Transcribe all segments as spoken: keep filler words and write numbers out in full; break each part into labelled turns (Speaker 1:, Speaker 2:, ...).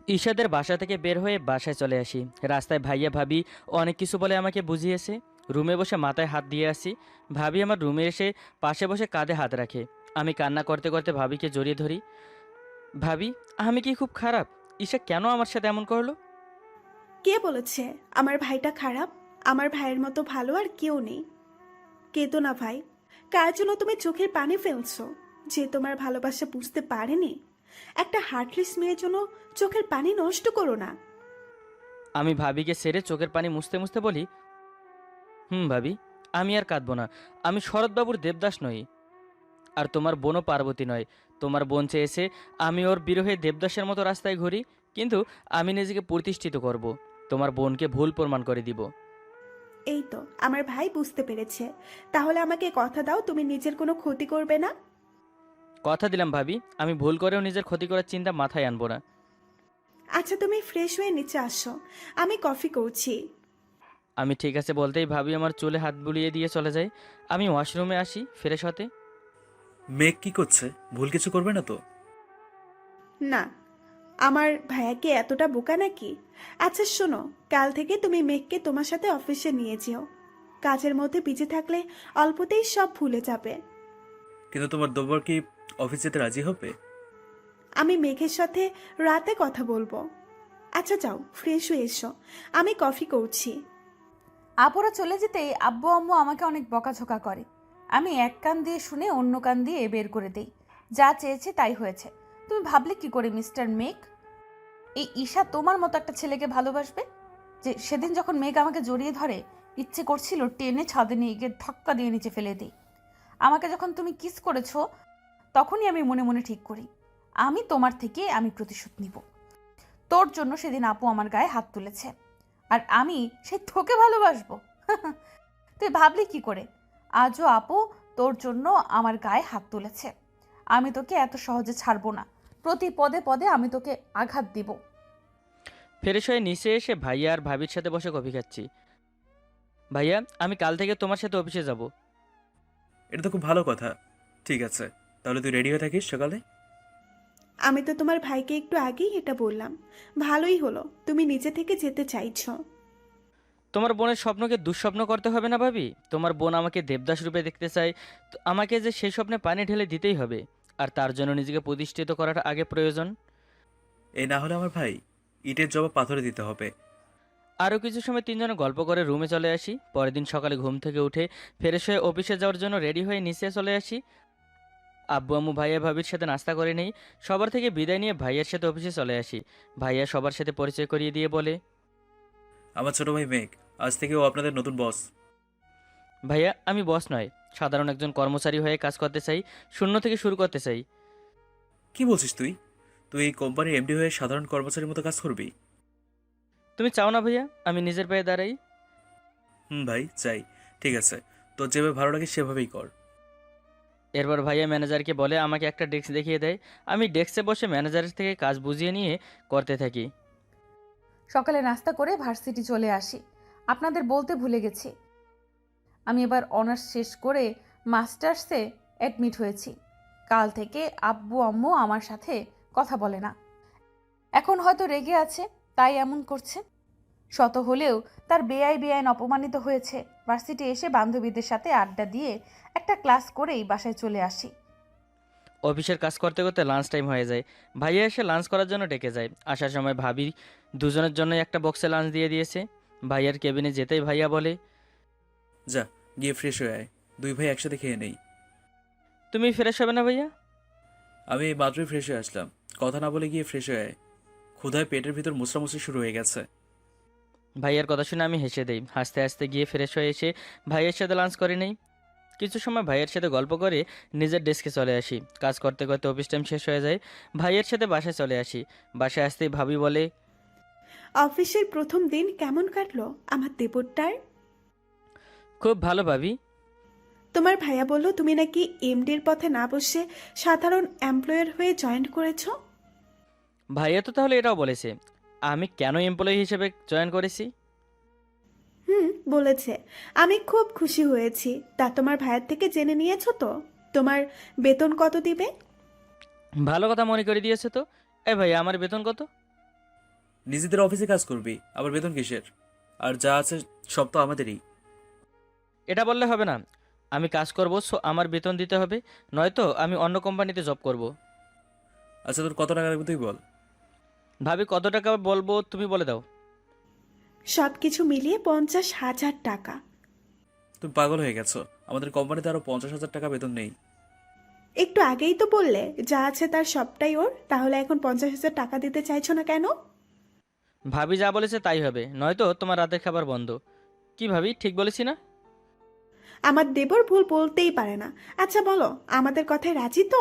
Speaker 1: ঈশাদের বাসা থেকে বের হয়ে বাসায় চলে আসি। রাস্তায় ভাইয়া ভাবি অনেক কিছু বলে আমাকে বুঝিয়েছে। রুমে বসে মাথায় হাত দিয়ে আসি। ভাবি আমার রুমে এসে পাশে বসে কাঁধে হাত রাখে। আমি কান্না করতে করতে ভাবিকে জড়িয়ে ধরি। ভাবি, আমি কি খুব খারাপ? ঈশা কেন আমার সাথে এমন করলো?
Speaker 2: কে বলেছে আমার ভাইটা খারাপ? আমার ভাইয়ের মতো ভালো আর কেউ নেই। কেঁদো না ভাই। কার জন্য তুমি চোখের পানি ফেলছো? যে তোমার ভালোবাসা বুঝতে পারেনি। একটা হার্টলেস মেয়ের জন্য চোখের পানি নষ্ট করো না।
Speaker 1: আমি ভাবিকে সেরে চোখের পানি মুছতে মুছতে বলি, হুম ভাবি, আমি আর কাঁদবো না। আমি শরৎবাবুর দেবদাস নই, আর তোমার বোনও পার্বতী নয়। তোমার বোন চেয়েছে আমি ওর বিরহে দেবদাসের মতো রাস্তায় ঘুরি, কিন্তু আমি নিজেকে প্রতিষ্ঠিত করব। তোমার বোনকে ভুল প্রমাণ করে দিব।
Speaker 2: এই তো আমার ভাই বুঝতে পেরেছে। তাহলে আমাকে কথা দাও তুমি নিজের কোনো ক্ষতি করবে না।
Speaker 1: কথা দিলাম ভাবি, আমি ভুল করেও নিজের ক্ষতি করার চিন্তা মাথায় আনবো না।
Speaker 2: আচ্ছা তুমি ফ্রেশ হয়ে নিচে আসো, আমি কফি করছি।
Speaker 1: আমি ঠিক আছে বলতেই ভাবি আমার চুলে হাত বুলিয়ে দিয়ে চলে যায়। আমি ওয়াশরুমে আসি ফ্রেশ হতে।
Speaker 3: মেঘ কি করছে? ভুল কিছু করবে না তো?
Speaker 2: না, আমার ভাইয়া কি এতটা বোকা নাকি? আচ্ছা শোনো, কাল থেকে তুমি মেঘকে তোমার সাথে অফিসে নিয়ে যেও। কাজের মধ্যে বিজি থাকলে অল্পতেই সব ভুলে যাবে।
Speaker 3: কিন্তু তোমার দেবর কি অফিস যেতে রাজি হবে?
Speaker 2: আমি মেঘের সাথে রাতে কথা বলবো। আচ্ছা যাও ফ্রেশ হয়ে এসো, আমি কফি করছি।
Speaker 4: আপুরা চলে যেতেই আব্বু আম্মু আমাকে অনেক বকাঝকা করে। আমি এক কান দিয়ে শুনে অন্য কান দিয়ে বের করে দেই। যা চেয়েছে তাই হয়েছে। তুমি ভাবলে কি করে মিস্টার মেঘ এই ঈশা তোমার মতো একটা ছেলেকে ভালোবাসবে? যে সেদিন যখন মেঘ আমাকে জড়িয়ে ধরে, ইচ্ছে করছিল টেনে ছাদে নিয়ে গিয়ে ধাক্কা দিয়ে নিচে ফেলে দিই। আমাকে যখন তুমি কিস করেছো, তখনই আমি মনে মনে ঠিক করি আমি তোমার থেকে আমি প্রতিশোধ নিব। তোর জন্য সেদিন আপু আমার গায়ে হাত তুলেছে, আর আমি সেই তোকে ভালোবাসবো? তুই ভাবলি কি করে? আজও আপু তোর জন্য আমার গায়ে হাত তুলেছে। আমি তোকে এত সহজে ছাড়বো না। প্রতি পদে পদে আমি তোকে আঘাত দিব।
Speaker 1: ফ্রেশ হয়ে নিচে এসে ভাইয়া আর ভাবির সাথে বসে কফি খাচ্ছি। ভাইয়া, আমি কাল থেকে তোমার সাথে অফিসে যাব।
Speaker 3: এটা তো খুব ভালো কথা। ঠিক আছে, তাহলে তুই রেডি হয়ে থাকিস সকালে।
Speaker 2: আমি তো তোমার ভাইকে একটু আগেই এটা বললাম। ভালোই হলো তুমি নিজে থেকে যেতে চাইছো।
Speaker 1: তোমার বোনের স্বপ্নকে দুঃস্বপ্ন করতে হবে না ভাবি। তোমার বোন আমাকে দেবদাস রূপে দেখতে চায়, তো আমাকে যে সেই স্বপ্নে পানি ঢেলে দিতেই হবে। আর তার জন্য নিজেকে প্রতিষ্ঠিত করাটা আগে প্রয়োজন।
Speaker 3: এই না হলে আমার ভাই ইটের জবাব পাথরে দিতে হবে।
Speaker 1: আরও কিছু সময় তিনজনে গল্প করে রুমে চলে আসি। পরের দিন সকালে ঘুম থেকে উঠে ফ্রেশ হয়ে অফিসে যাওয়ার জন্য রেডি হয়ে নিচে চলে আসি। আব্বু আম্মু ভাইয়া ভাবির সাথে নাস্তা করে নেই। সবার থেকে বিদায় নিয়ে ভাইয়ার সাথে অফিসে চলে আসি। ভাইয়া সবার সাথে পরিচয় করিয়ে দিয়ে বলে,
Speaker 3: আমার ছোট ভাই মেঘ, আজ থেকে ও আপনাদের নতুন বস।
Speaker 1: ভাইয়া আমি বস নয়, সাধারণ একজন কর্মচারী হয়ে কাজ করতে চাই। শূন্য থেকে শুরু করতে চাই।
Speaker 3: কি বলছিস তুই? তুই এই কোম্পানির এমডি হয়ে সাধারণ কর্মচারীর মতো কাজ করবি?
Speaker 1: তুমি চাও না ভাইয়া আমি নিজের পায়ে দাঁড়াই?
Speaker 3: হুম ভাই, চাই। ঠিক আছে, তোর যেভাবে ভালো লাগে সেভাবেই কর।
Speaker 1: এরপর ভাইয়া ম্যানেজারকে বলে আমাকে একটা ডেস্ক দেখিয়ে দেয়। আমি ডেস্কে বসে ম্যানেজারের থেকে কাজ বুঝিয়ে নিয়ে করতে থাকি।
Speaker 4: সকালে নাস্তা করে ভার্সিটি চলে আসি। আপনাদের বলতে ভুলে গেছি, আমি এবার অনার্স শেষ করে মাস্টার্সে অ্যাডমিট হয়েছি। কাল থেকে আব্বু আম্মু আমার সাথে কথা বলে না। এখন হয়তো রেগে আছে, তাই এমন করছে। শত হলেও তার বেআই বেআইন অপমানিত হয়েছে। ভার্সিটি এসে বান্ধবীদের সাথে আড্ডা দিয়ে একটা ক্লাস করেই বাসায় চলে আসি।
Speaker 1: অফিসের কাজ করতে করতে লাঞ্চ টাইম হয়ে যায়। ভাইয়া এসে লাঞ্চ করার জন্য ডেকে যায়। আসার সময় ভাবি দুজনের জন্য একটা বক্সে লাঞ্চ দিয়ে দিয়েছে। ভাইয়ার কেবিনে যেতেই ভাইয়া বলে,
Speaker 3: যা, গিয়ে ফ্রেশ হয়ে আয়। দুই ভাই একসাথে খেয়ে নেই।
Speaker 1: তুমি ফ্রেশ হবে না ভাইয়া?
Speaker 3: আমি এই মাত্রই ফ্রেশ হয়ে আসলাম। কথা না বলে গিয়ে ফ্রেশ হয়ে আয়। ক্ষুধায় পেটের ভিতর মুচড়ামুচড়ি শুরু হয়ে গেছে।
Speaker 1: ভাইয়ার কথা শুনে আমি হেসে দেই। হাসতে হাসতে গিয়ে ফ্রেশ হয়ে এসে ভাইয়ের সাথে লাঞ্চ করে নেই। কিছু সময় ভাইয়ের সাথে গল্প করে নিজের ডেস্কে চলে আসি। কাজ করতে করতে অফিস টাইম শেষ হয়ে যায়। ভাইয়ের সাথে বাসায় চলে আসি। বাসায় আসতেই ভাবি বলে,
Speaker 2: অফিসের প্রথম দিন কেমন কাটলো আমার দেবরটার?
Speaker 1: খুব ভালো ভাবি।
Speaker 2: তোমার ভাইয়া বলল তুমি নাকি এমডির পথে না বসে সাধারণ এমপ্লয়ার হয়ে জয়েন করেছো।
Speaker 1: ভাইয়া তো তাহলে এটাও বলেছে আমি কেন এমপ্লয়ি হিসেবে জয়েন করেছি।
Speaker 2: হুম, বলেছে। আমি খুব খুশি হয়েছি। তা তোমার ভাইয়ের থেকে জেনে নিয়েছো তো তোমার বেতন কত দিবে?
Speaker 1: ভালো কথা মনে করে দিয়েছে তো। এ ভাইয়া, আমার বেতন কত?
Speaker 3: নিজেদের অফিসে কাজ করবি, আবার বেতন কিসের? আর যা আছে সব তো আমাদেরই।
Speaker 1: এটা বললে হবে না। আমি কাজ করব, সো আমার বেতন দিতে হবে, নয়তো আমি অন্য কোম্পানিতে জব করব।
Speaker 3: আচ্ছা, তোর কত টাকা লাগবে তুই বল।
Speaker 1: ভাবি কত টাকা বলবো তুমি বলে দাও।
Speaker 2: সব কিছু মিলিয়ে পঞ্চাশ হাজার টাকা।
Speaker 3: তুমি পাগল হয়ে গেছো, আমাদের কোম্পানিতে আরো পঞ্চাশ হাজার টাকা বেতন নেই।
Speaker 2: একটু আগেই তো বললে যা আছে তার সবটাই ওর, তাহলে এখন পঞ্চাশ হাজার টাকা দিতে চাইছো না কেন?
Speaker 1: ভাবি যা বলেছে তাই হবে, নয়তো তোমার রাতের খাবার বন্ধ। কি ভাবি, ঠিক বলেছি না?
Speaker 2: আমার দেবর ভুল বলতেই পারে না। আচ্ছা বলো, আমাদের কথায় রাজি তো?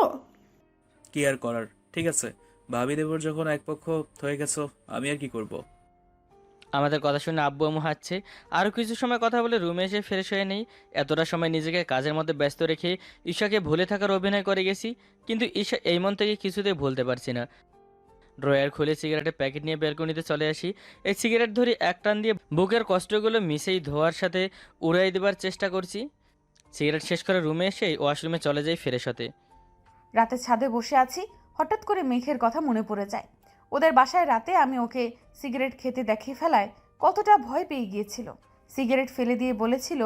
Speaker 3: কি আর করার, ঠিক আছে। ভাবি দেবর যখন এক পক্ষ হয়ে গেছো, আমি আর কি করব।
Speaker 1: আমাদের কথা শুনে আব্বু আম্মু হাসছে। আরও কিছু সময় কথা বলে রুমে এসে ফ্রেশ হয়ে নেই। এতটা সময় নিজেকে কাজের মধ্যে ব্যস্ত রেখে ঈশাকে ভুলে থাকার অভিনয় করে গেছি, কিন্তু ঈশা এই মন থেকে কিছুতেই ভুলতে পারছি না। ড্রয়ার খুলে সিগারেটের প্যাকেট নিয়ে ব্যালকনিতে চলে আসি। এই সিগারেট ধরি এক টান দিয়ে বুকের কষ্টগুলো মিশেই ধোয়ার সাথে উড়াই দেবার চেষ্টা করছি। সিগারেট শেষ করে রুমে এসেই ওয়াশরুমে চলে যাই ফ্রেশ হতে।
Speaker 4: রাতে ছাদে বসে আছি, হঠাৎ করে মেঘের কথা মনে পড়ে যায়। ওদের বাসায় রাতে আমি ওকে সিগারেট খেতে দেখে ফেলায় কতটা ভয় পেয়ে গিয়েছিল। সিগারেট ফেলে দিয়ে বলেছিল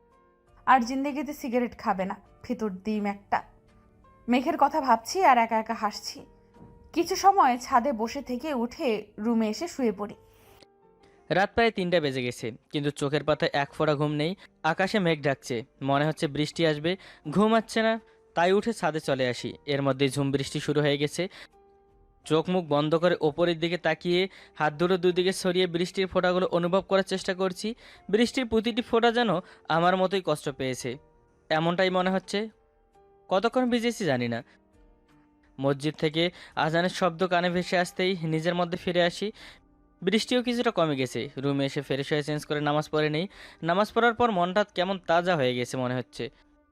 Speaker 4: আর জিন্দেগিতে সিগারেট খাবে না, ভেতর ডিম একটা। মেঘের কথা ভাবছি আর একা একা হাসছি। কিছু সময় ছাদে বসে থেকে উঠে রুমে এসে শুয়ে পড়ি।
Speaker 1: রাত প্রায় তিনটা বেজে গেছে, কিন্তু চোখের পাতায় এক ফোঁটা ঘুম নেই। আকাশে মেঘ ডাকছে, মনে হচ্ছে বৃষ্টি আসবে। ঘুম আসছে না, তাই উঠে ছাদে চলে আসি। এর মধ্যে ঝুম বৃষ্টি শুরু হয়ে গেছে। চোখ মুখ বন্ধ করে ওপরের দিকে তাকিয়ে হাত দুটো দুদিকে সরিয়ে বৃষ্টির ফোঁটাগুলো অনুভব করার চেষ্টা করছি। বৃষ্টির প্রতিটি ফোঁটা যেন আমার মতোই কষ্ট পেয়েছে, এমনটাই মনে হচ্ছে। কতক্ষণ ভিজেছি জানি না। মসজিদ থেকে আজানের শব্দ কানে ভেসে আসতেই নিজের মধ্যে ফিরে আসি। বৃষ্টিও কিছুটা কমে গেছে। রুমে এসে ফ্রেশ হয়ে চেঞ্জ করে নামাজ পড়ে নেই। নামাজ পড়ার পর মনটা কেমন তাজা হয়ে গেছে মনে হচ্ছে।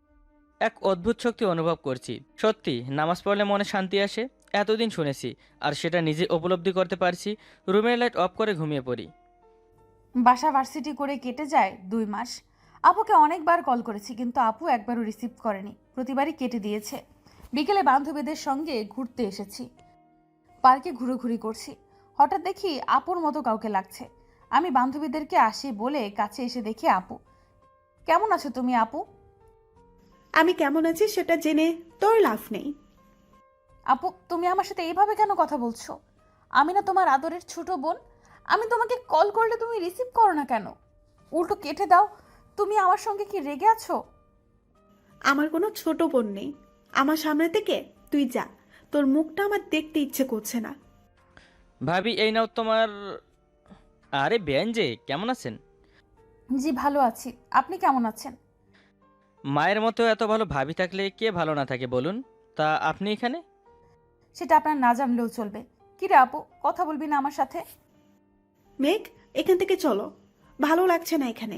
Speaker 1: এক অদ্ভুত শক্তি অনুভব করছি। সত্যি নামাজ পড়লে মনে শান্তি আসে, এতদিন শুনেছি, আর সেটা নিজে উপলব্ধি করতে পারছি। রুমের লাইট অফ করে ঘুমিয়ে পড়ি।
Speaker 4: বাসা ভার্সিটি করে কেটে যায় দুই মাস। আপুকে অনেকবার কল করেছি, কিন্তু আপু একবারও রিসিভ করেনি, প্রতিবারই কেটে দিয়েছে। বিকেলে বান্ধবীদের সঙ্গে ঘুরতে এসেছি, পার্কে ঘুরোঘুরি করছি। হঠাৎ দেখি আপুর মতো কাউকে লাগছে। আমি বান্ধবীদেরকে আসি বলে কাছে এসে দেখি আপু। কেমন আছো তুমি আপু?
Speaker 2: আমি কেমন আছি সেটা জেনে তোর লাভ নেই।
Speaker 4: আপু তুমি আমার সাথে এইভাবে কেন কথা বলছো? আমি না তোমার আদরের ছোট বোন? আমি তোমাকে কল করলে তুমি রিসিভ করো না কেন? উল্টো কেটে দাও। তুমি আমার সঙ্গে কি রেগে আছো?
Speaker 2: আমার কোনো ছোট বোন নেই। আমার সামনে থেকে তুই যা, তোর মুখটা আমার দেখতে ইচ্ছে করছে না।
Speaker 1: ভাবি এই নাও তোমার। আরে বেন যে, কেমন আছেন?
Speaker 4: জি ভালো আছি, আপনি কেমন আছেন?
Speaker 1: মায়ের মতো এত ভালো ভাবি থাকলে কে ভালো না থাকে বলুন। তা আপনি এখানে?
Speaker 4: সেটা আপনার না জানলেও চলবে। কি রে আপু, কথা বলবি না আমার সাথে?
Speaker 2: মেঘ, এখান থেকে চলো, ভালো লাগছে না এখানে।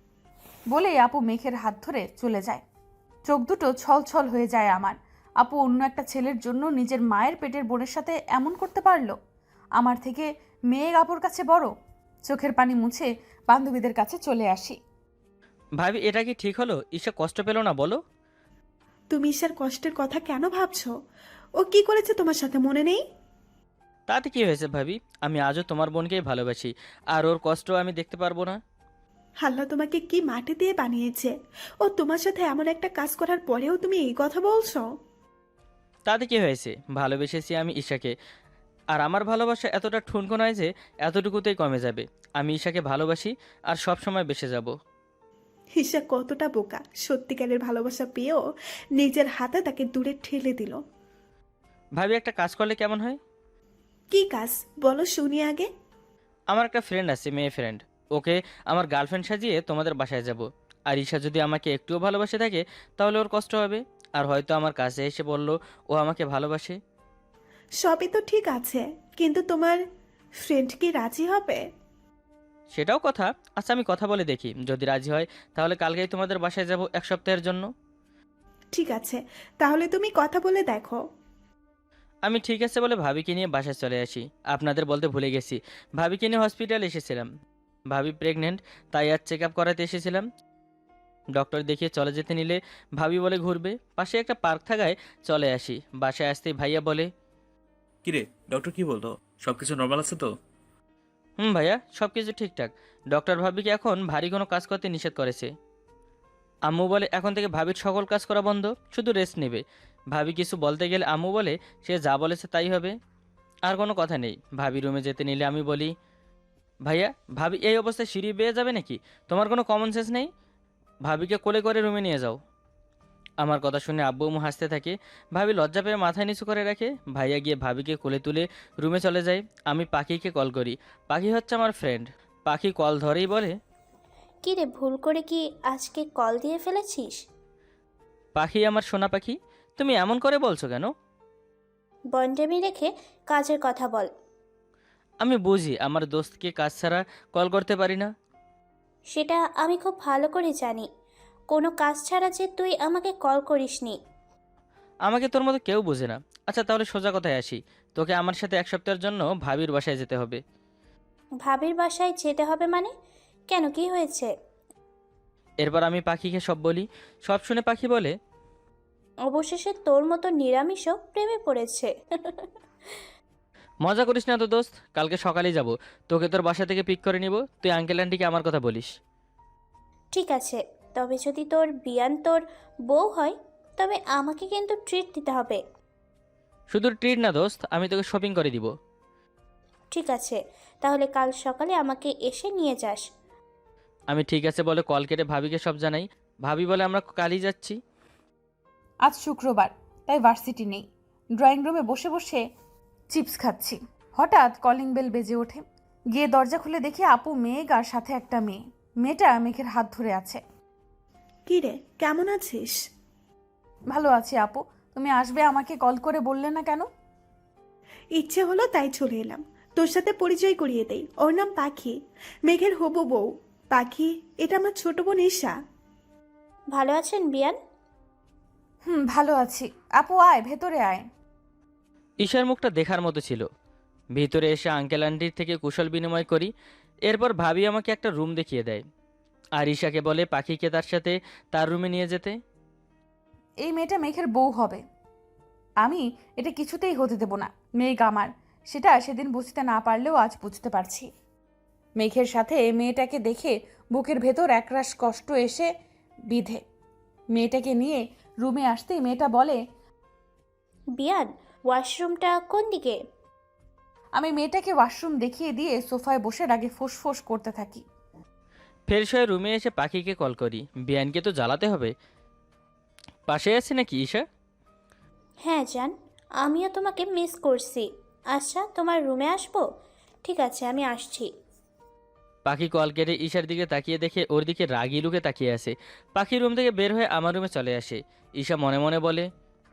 Speaker 4: বলেই আপু মেঘের হাত ধরে চলে যায়। চোখ দুটো ছল ছল হয়ে যায় আমার। আপু অন্য একটা ছেলের জন্য নিজের মায়ের পেটের বোনের সাথে এমন করতে পারলো? আমার থেকে মেঘ আপুর কাছে বড়। চোখের পানি মুছে বান্ধবীদের কাছে চলে আসি।
Speaker 1: ভাবি এটা কি ঠিক হলো? ঈশা কষ্ট পেল না বলো?
Speaker 2: তুমি ঈশার কষ্টের কথা কেন ভাবছো? ও কি করেছে তোমার সাথে মনে নেই?
Speaker 1: তাতে কি হয়েছে ভাবি? আমি আজও তোমার বোনকেই ভালোবাসি, আর ওর কষ্ট আমি দেখতে পারবো না?
Speaker 2: আল্লাহ তোমাকে কি মাটি দিয়ে বানিয়েছে? ও তোমার সাথে এমন একটা কাজ করার পরেও তুমি এই কথা বলছো?
Speaker 1: তাতে কি হয়েছে? ভালোবেসেছি আমি ঈশাকে, আর আমার ভালোবাসা এতটা ঠুনকো নয় যে এতটুকুতেই কমে যাবে। আমি ঈশাকে ভালোবাসি, আর সব সময় বেসে যাব।
Speaker 2: ঈশা কতটা বোকা, সত্যিকারের ভালোবাসা পেয়েও নিজের হাতে তাকে দূরে ঠেলে দিল।
Speaker 1: ভাবি একটা কাজ করলে কেমন হয়?
Speaker 2: কি কাজ বলো শুনি আগে।
Speaker 1: আমার একটা ফ্রেন্ড আছে, মেয়ে ফ্রেন্ড। ওকে আমার গার্লফ্রেন্ড সাজিয়ে তোমাদের বাসায় যাব। আর ঈশা যদি আমাকে একটুও ভালোবাসে থাকে তাহলে ওর কষ্ট হবে, আর হয়তো আমার কাছে এসে বলল ও আমাকে ভালোবাসে।
Speaker 2: সবই তো ঠিক আছে, কিন্তু তোমার ফ্রেন্ড কি রাজি হবে?
Speaker 1: সেটাও কথা। আচ্ছা আমি কথা বলে দেখি, যদি রাজি হয় তাহলে কালকেই তোমাদের বাসায় যাব এক সপ্তাহের জন্য।
Speaker 2: ঠিক আছে, তাহলে তুমি কথা বলে দেখো।
Speaker 1: আমি ঠিক আছে বলে ভাবিকে নিয়ে বাসায় চলে আসি। আপনাদের বলতে ভুলে গেছি, ভাবিকে নিয়ে হসপিটালে এসেছিলাম। ভাবি প্রেগনেন্ট, তাই আজ চেক আপ করাতে এসেছিলাম। ডক্টর দেখিয়ে চলে যেতে নিলে ভাবি বলে ঘুরবে, পাশে একটা পার্ক থাকায় চলে আসি। বাসায় আসতেই ভাইয়া বলে,
Speaker 3: কিরে, ডক্টর কি বললো? সবকিছু নর্মাল আছে তো?
Speaker 1: হুম ভাইয়া, সব কিছু ঠিকঠাক। ডক্টর ভাবিকে এখন ভারী কোনো কাজ করতে নিষেধ করেছে। আম্মু বলে এখন থেকে ভাবির সকল কাজ করা বন্ধ, শুধু রেস্ট নেবে। ভাবি কিছু বলতে গেলে আম্মু বলে সে যা বলেছে তাই হবে, আর কোনো কথা নেই। ভাবি রুমে যেতে নিলে আমি বলি, ভাইয়া ভাবি এই অবস্থায় সিঁড়ি বেয়ে যাবে নাকি? তোমার কোনো কমন সেন্স নেই? ভাবিকে কোলে করে রুমে নিয়ে যাও। আমার কথা শুনে আব্বু আম্মু হাসতে থাকে। ভাবি লজ্জা পেয়ে মাথায় নিচু করে রাখে। ভাইয়া গিয়ে ভাবিকে কোলে তুলে রুমে চলে যায়। আমি পাখিকে কল করি। পাখি হচ্ছে আমার ফ্রেন্ড। পাখি কল ধরেই বলে,
Speaker 5: কি রে, ভুল করে কি আজকে কল দিয়ে ফেলেছিস?
Speaker 1: পাখি আমার সোনা পাখি, তুমি এমন করে বলছো কেন?
Speaker 5: বন্ডেমি রেখে কাজের কথা বল।
Speaker 1: আমি বুঝি আমার দোস্তকে কাজ ছাড়া কল করতে পারি না।
Speaker 5: সেটা আমি খুব ভালো করে জানি। কোনো কাজ ছাড়া যে তুই আমাকে কল করিসনি।
Speaker 1: আমাকে তোর মতো কেউ বোঝে না। আচ্ছা তাহলে সোজা কথায় আসি, তোকে আমার সাথে এক সপ্তাহের জন্য ভাবির বাসায় যেতে হবে।
Speaker 5: ভাবির বাসায় যেতে হবে মানে? কেন, কি হয়েছে?
Speaker 1: এরপর আমি পাখিকে সব বলি। সব শুনে পাখি বলে,
Speaker 5: অবশেষে তোর মতো নিরামিষও প্রেমে পড়েছে।
Speaker 1: মজা করিস না তো দোস্ত, কালকে সকালেই যাব। তোকে তোর বাসা থেকে পিক করে নিব। তুই আঙ্কেল আন্টিকে আমার কথা বলিস।
Speaker 5: ঠিক আছে, তবে যদি তোর বিয়ান তোর বউ হয় তবে আমাকে কিন্তু ট্রিট দিতে হবে।
Speaker 1: শুধু ট্রিট না দোস্ত, আমি তোকে শপিং করে দিব।
Speaker 5: ঠিক আছে, তাহলে কাল সকালে আমাকে এসে নিয়ে যাস।
Speaker 1: আমি ঠিক আছে বলে কল কেটে ভাবিকে সব জানাই। ভাবি বলে আমরা কালই যাচ্ছি।
Speaker 4: আজ শুক্রবার, তাই ভার্সিটি নেই। ড্রয়িং রুমে বসে বসে চিপস খাচ্ছি। হঠাৎ কলিং বেল বেজে ওঠে। গিয়ে দরজা খুলে দেখি আপু, মেঘ আর সাথে একটা মেয়ে। মেয়েটা মেঘের হাত ধরে আছে।
Speaker 2: কি রে, কেমন আছিস?
Speaker 4: ভালো আছি আপু, তুমি আসবে আমাকে কল করে বললে না কেন?
Speaker 2: ইচ্ছে হলো তাই চলে এলাম। তোর সাথে পরিচয় করিয়ে দেই, ওর নাম পাখি, মেঘের হবু বউ। পাখি, এটা আমার ছোট বোন ঈশা।
Speaker 5: ভালো আছেন বিয়ান?
Speaker 4: হুম, ভালো আছি। আপু আয়, ভেতরে আয়।
Speaker 1: ঈশার মুখটা দেখার মতো ছিল। ভিতরে এসে আঙ্কেল আন্টির থেকে কুশল বিনিময় করি। এরপর ভাবি আমাকে একটা রুম দেখিয়ে দেয়, আর ঈশাকে বলে পাখিকে তার সাথে তার রুমে নিয়ে যেতে।
Speaker 4: এই মেয়েটা মেঘের বউ হবে। আমি এটা কিছুতেই হতে দেব না। মেঘ আমার, সেটা সেদিন বুঝতে না পারলেও আজ বুঝতে পারছি। মেঘের সাথে মেয়েটাকে দেখে বুকের ভেতর একরাশ কষ্ট এসে বিধে। মেয়েটাকে নিয়ে রুমে আসতেই মেয়েটা বলে,
Speaker 5: বিয়ান, ওয়াশরুমটা কোন দিকে?
Speaker 4: আমি মেয়েটাকে ওয়াশরুম দেখিয়ে দিয়ে সোফায় বসে রাগে ফোঁস করতে থাকি।
Speaker 1: ফ্রেশ হয়ে রুমে এসে পাখিকে কল করি। বিয়ানকে তো জ্বালাতে হবে। পাশে আছে নাকি ঈশা?
Speaker 5: হ্যাঁ জান, আমিও তোমাকে মিস করছি। আচ্ছা, তোমার রুমে আসবো? ঠিক আছে, আমি আসছি।
Speaker 1: পাখি কল কেটে ঈশার দিকে তাকিয়ে দেখে ওর দিকে রাগি লুকে তাকিয়ে আছে। পাখি রুম থেকে বের হয়ে আমার রুমে চলে আসে। ঈশা মনে মনে বলে,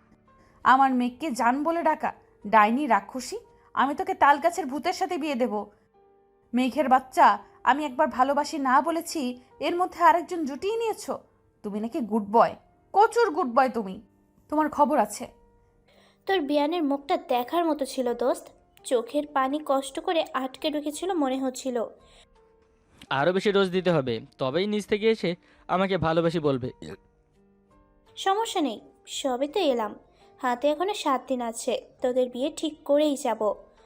Speaker 4: আমার মেঘকে জান বলে ডাকা, ডাইনি রাক্ষসী। আমি তোকে তাল গাছের ভূতের সাথে বিয়ে দেব। মেঘের বাচ্চা, আমি একবার ভালোবাসি না বলেছি, এর মধ্যে আরেকজন জুটিয়ে নিয়েছো। তুমি নাকি গুড বয়, প্রচুর গুড বয় তুমি। তোমার খবর আছে।
Speaker 5: তোর বিয়ানের মুখটা দেখার মতো ছিল দোস্ত। চোখের পানি কষ্ট করে আটকে ঢুকেছিল মনে হচ্ছিল।
Speaker 1: আরও বেশি ডোজ দিতে হবে, তবেই নিজ থেকে এসে আমাকে ভালোবাসি বলবে।
Speaker 5: সমস্যা নেই, সবে তো এলাম। হাতে এখনো সাত দিন আছে, তোদের বিয়ে ঠিক করেই যাব।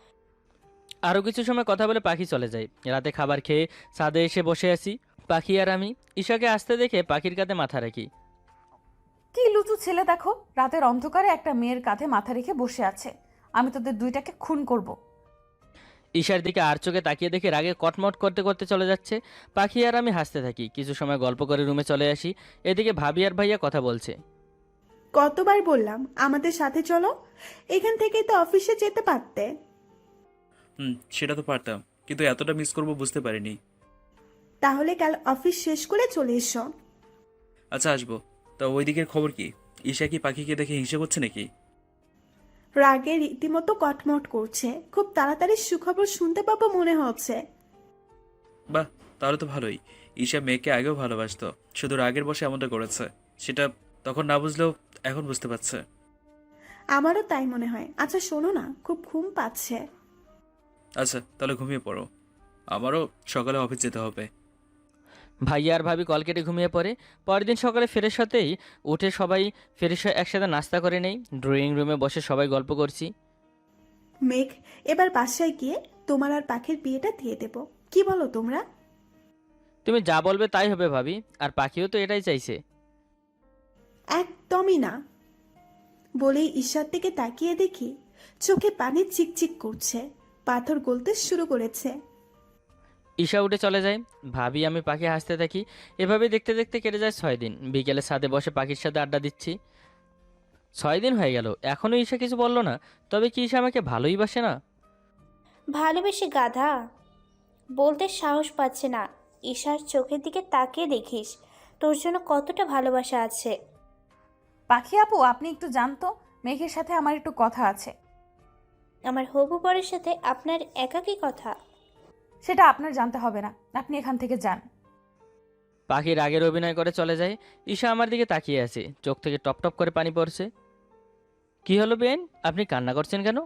Speaker 1: আরও কিছু সময় কথা বলে পাখি চলে যায়। রাতে খাবার খেয়ে ছাদে এসে বসে আছি। পাখি আর আমি। ঈশাকে আসতে দেখে পাখির কাঁধে মাথা রাখি।
Speaker 4: কি লুচু ছেলে দেখো, রাতের অন্ধকারে একটা মেয়ের কাঁধে মাথা রেখে বসে আছে। আমি তোদের দুইটাকে খুন করব।
Speaker 1: ঈশার দিকে আর চোখে তাকিয়ে দেখে রাগে কটমট করতে করতে চলে যাচ্ছে। পাখি আর আমি হাসতে থাকি। কিছু সময় গল্প করে রুমে চলে আসি। এদিকে ভাবি আর ভাইয়া কথা বলছে।
Speaker 2: কতবার বললাম আমাদের সাথে চলো, এখান থেকেই তো অফিসে যেতে পারতে।
Speaker 3: হুম, সেটা তো পারতাম, কিন্তু এতটা মিস করব বুঝতে পারিনি।
Speaker 2: তাহলে কাল অফিস শেষ করে চলে এসো।
Speaker 3: আচ্ছা আসবো। তা ওই দিকের খবর কি? ঈশা কি পাখিকে দেখে হিংসা করছে নাকি?
Speaker 2: রাগে রীতিমতো কটমট করছে। খুব তাড়াতাড়ি সুখবর শুনতে পাবো মনে হচ্ছে।
Speaker 3: বাহ, তাহলে তো ভালোই। ঈশা মেয়েকে আগেও ভালোবাসতো, শুধু রাগের বসে এমনটা করেছে। সেটা তখন না বুঝলেও এখন বুঝতে পারছে।
Speaker 2: আমারও তাই মনে হয়। আচ্ছা শোনো না, খুব ঘুম পাচ্ছে।
Speaker 3: আচ্ছা তাহলে ঘুমিয়ে পড়ো, আমারও সকালে অফিস যেতে হবে।
Speaker 1: ভাইয়া আর ভাবি কল কেটে ঘুমিয়ে পড়ে। পরের দিন সকালে ফ্রেশ হতেই উঠে সবাই ফ্রেশ হয়ে একসাথে নাস্তা করে নেই। ড্রয়িং রুমে বসে সবাই গল্প করছি।
Speaker 2: মেঘ, এবার বাসায় গিয়ে তোমার আর পাখির বিয়েটা দিয়ে দেব। কি বলো তোমরা?
Speaker 1: তুমি যা বলবে তাই হবে ভাবি, আর পাখিও তো এটাই চাইছে।
Speaker 2: একদমই না। বলেই ঈশার দিকে তাকিয়ে দেখি চোখে পানি চিকচিক করছে, পাথর গলতে শুরু করেছে।
Speaker 1: ঈশা উঠে চলে যায়। ভাবি আমি পাখি হাসতে থাকি। এভাবে দেখতে দেখতে কেটে যায় ছয় দিন। বিকেলে ছাদে বসে পাখির সাথে আড্ডা দিচ্ছি। ছয় দিন হয়ে গেল, এখনও ঈশা কিছু বলল না। তবে কি ঈশা আমাকে ভালোই বাসে না?
Speaker 5: ভালোবেসে গাধা, বলতে সাহস পাচ্ছে না। ঈশার চোখের দিকে তাকিয়ে দেখিস তোর জন্য কতটা ভালোবাসা আছে।
Speaker 4: পাখি আপু, আপনি একটু জানতো, মেঘের সাথে আমার একটু কথা আছে।
Speaker 5: আমার হবু বরের সাথে আপনার একাকী কথা?
Speaker 4: সেটা আপনার জানতে হবে না, আপনি এখান থেকে যান।
Speaker 1: পাখি রাগের অভিনয় করে চলে যায়। ঈশা আমার দিকে তাকিয়ে আছে, চোখ থেকে টপ টপ করে পানি পড়ছে। কি হলো বেন, আপনি কান্না করছেন কেন?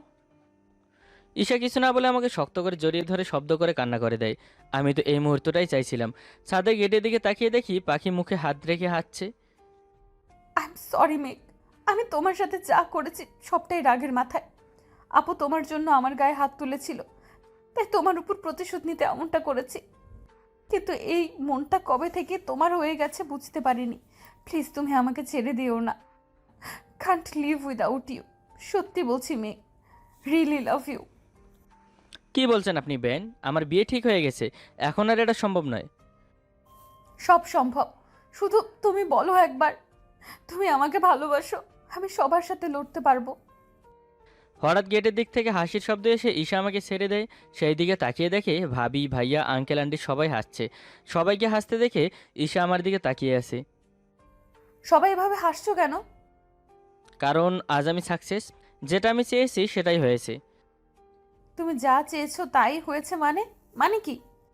Speaker 1: ঈশা কিছু না বলে আমাকে শক্ত করে জড়িয়ে ধরে শব্দ করে কান্না করে দেয়। আমি তো এই মুহূর্তটাই চাইছিলাম। ছাদের গেটের দিকে তাকিয়ে দেখি পাখি মুখে হাত রেখে হাঁটছে।
Speaker 4: আই এম সরি মেঘ, আমি তোমার সাথে যা করেছি সবটাই রাগের মাথায়। আপু তোমার জন্য আমার গায়ে হাত তুলেছিল, তাই তোমার উপর প্রতিশোধ নিতে এমনটা করেছি। কিন্তু এই মনটা কবে থেকে তোমার হয়ে গেছে বুঝতে পারিনি। প্লিজ তুমি আমাকে ছেড়ে দিও না। Can't leave without you. সত্যি বলছি মেঘ, রিয়েলি লাভ ইউ।
Speaker 1: কি বলছেন আপনি বেন? আমার বিয়ে ঠিক হয়ে গেছে, এখন আর এটা সম্ভব নয়।
Speaker 4: সব সম্ভব, শুধু তুমি বলো একবার তুমি আমাকে ভালোবাসো, আমি সবার সাথে লড়তে পারবো।
Speaker 1: হঠাৎ গেটের দিক থেকে হাসির শব্দ এসে ঈশা আমাকে ছেড়ে দেয়। সেই দিকে তাকিয়ে দেখে ভাবি, ভাইয়া, আঙ্কেল, আন্টি সবাই হাসছে। সবাইকে হাসতে দেখে ঈশা আমার দিকে তাকিয়ে আছে।
Speaker 4: সবাই এভাবে হাসছো কেন?
Speaker 1: কারণ আজ আমি সাকসেস। যেটা আমি চেয়েছি সেটাই হয়েছে।
Speaker 4: তুমি যা চেয়েছো তাই হয়েছে মানে? মানে কি?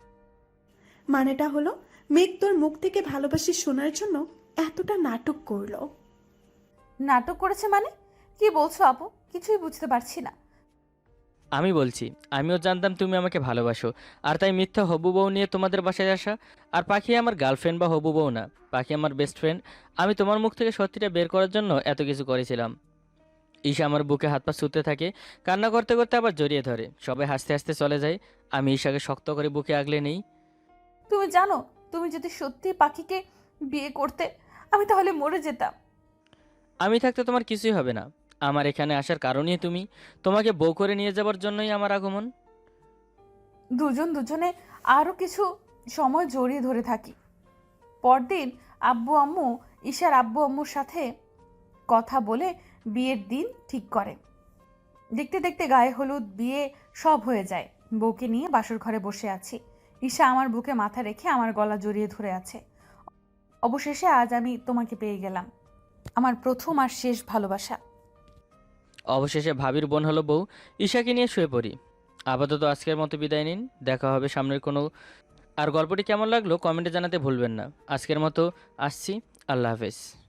Speaker 2: মানেটা হলো মেঘ তোর মুখ থেকে ভালোবাসি শোনার জন্য এতটা নাটক করলো।
Speaker 4: নাটক করেছে মানে? কি বলছো আপু, কিছুই বুঝতে পারছি না।
Speaker 1: আমি বলছি, আমিও জানতাম তুমি আমাকে ভালোবাসো, আর তাই মিথ্যা হবু বউ নিয়ে তোমাদের বাসায় আসা। আর পাখি আমার গার্লফ্রেন্ড বা হবু বউ না, পাখি আমার বেস্ট ফ্রেন্ড। আমি তোমার মুখ থেকে সত্যিটা বের করার জন্য এত কিছু করেছিলাম। ঈশা আমার বুকে হাত পা ছুঁতে থাকে, কান্না করতে করতে আবার জড়িয়ে ধরে। সবাই হাসতে হাসতে চলে যায়। আমি ঈশাকে শক্ত করে বুকে আগলে নেই।
Speaker 4: তুমি জানো, তুমি যদি সত্যি পাখিকে বিয়ে করতে, আমি তাহলে মরে যেতাম।
Speaker 1: আমি থাকতে তোমার কিছুই হবে না। আমার এখানে আসার কারণই তুমি। তোমাকে বউ করে নিয়ে যাবার জন্যই আমার আগমন।
Speaker 4: দুজন দুজনে আরও কিছু সময় জড়িয়ে ধরে থাকি। পরদিন আব্বু আম্মু ঈশার আব্বু আম্মুর সাথে কথা বলে বিয়ের দিন ঠিক করে। দেখতে দেখতে গায়ে হলুদ, বিয়ে সব হয়ে যায়। বউকে নিয়ে বাসর ঘরে বসে আছি। ঈশা আমার বুকে মাথা রেখে আমার গলা জড়িয়ে ধরে আছে। অবশেষে আজ আমি তোমাকে পেয়ে গেলাম, আমার প্রথম আর শেষ ভালোবাসা।
Speaker 1: অবশেষে ভাবির বোন হলো বউ। ঈশাকে নিয়ে শুয়ে পড়ি। আপাতত আজকের মতো বিদায় নিন, দেখা হবে সামনের কোনো। আর গল্পটি কেমন লাগলো কমেন্টে জানাতে ভুলবেন না। আজকের মতো আসছি, আল্লাহ হাফেজ।